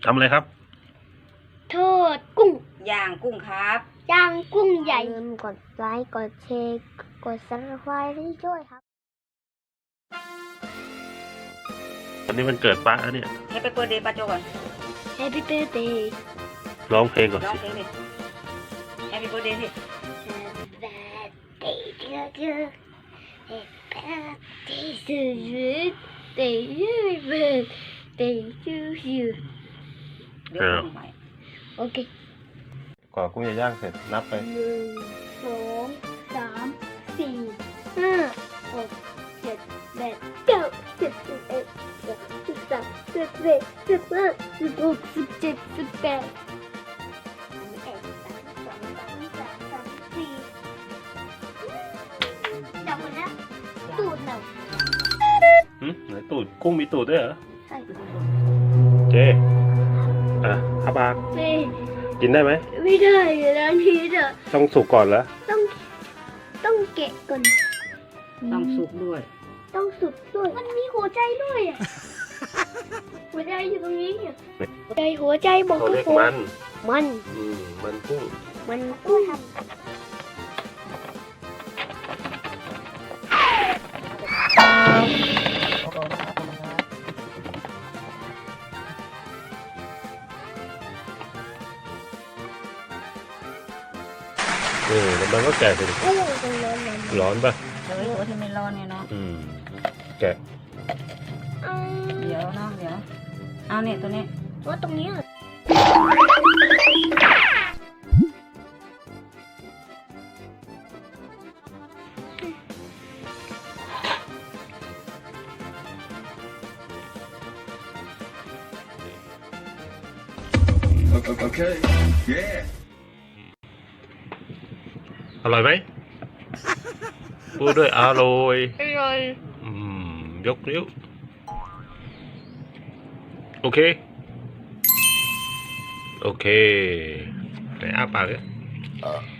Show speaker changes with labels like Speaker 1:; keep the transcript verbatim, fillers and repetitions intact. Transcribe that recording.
Speaker 1: ทำอะไรครับ
Speaker 2: ทอดกุ้ง
Speaker 3: ย่างกุ้งครับ
Speaker 2: ย่างกุ้งใหญ่อย่าลืมกดไลค์กดแชร์กดซับสไครต์ให้ด้วยครับ
Speaker 1: วันนี้มันเกิดป้าเนี่ย
Speaker 3: ให้ไปเปิดเดย์ป้าโจก่อน
Speaker 2: Happy birthday
Speaker 1: ร้องเพลงก่อน
Speaker 3: ร้อง
Speaker 1: สิ
Speaker 3: เพลงดิ Happy birthday สิ
Speaker 2: Happy birthday to you Happy birthday to you Happy birthday to you
Speaker 3: เดี๋ยวกุ้งใหม่
Speaker 2: โอเค
Speaker 1: ก่อกุ้งย่างเสร็จนับไป
Speaker 2: หนึ่งสองสามสี่ห้าหกเจ็ดแปดเก้าสิบสิบเอ็ดสิบสองสิบสามสิบสี่สิบห้าสิบหกสิบเจ็ดสิบแปดสิบเอ็ดสิบสองสิบสามสิบสามสิบสี่จับหมดแล้วตูดเรา
Speaker 1: หืมไหนตูดกุ้งมีตูดด้วยเหรอ
Speaker 2: ใช่
Speaker 1: เจอ่ะฮับบาก
Speaker 2: ไม่
Speaker 1: กินได้ไหม
Speaker 2: ไม่ได้แล้วนี่จะ
Speaker 1: ต้องสุกก่อนเหรอ
Speaker 2: ต้องต้องแกะก่อน
Speaker 3: ต้องสุกด้วย
Speaker 2: ต้องสุดด้วยมันมีหัวใจด้วยอ่ะ หัวใจอยู่ตรงนี้อ่ะหัวใจหัวใจบอก
Speaker 1: เขา
Speaker 2: ทุก
Speaker 1: เรียก
Speaker 2: คน
Speaker 1: มัน
Speaker 2: มัน
Speaker 1: อืมมันกุ้ง
Speaker 2: มันกุ้ง
Speaker 1: เออแล้วมันก็แกะสิ
Speaker 2: โอ้ยตรงนั้นมัน
Speaker 1: ร้อนปะ
Speaker 3: เฮ้ยตัวที่ไม่ร้อนเนี่ยเนาะ
Speaker 1: อืมแกะ
Speaker 2: อ่า
Speaker 3: เดี๋ยวเนาะเดี๋ยว เอาเนี่ยตัวนี้
Speaker 2: ว่าตรงนี้อ่ะ
Speaker 4: Okay. Yeah.
Speaker 1: อร่อยไหมพูดด้วยอร่อย
Speaker 2: อร่อย
Speaker 1: อืมยกนิ้วโอเคโอเคไหนอ้าปากเลย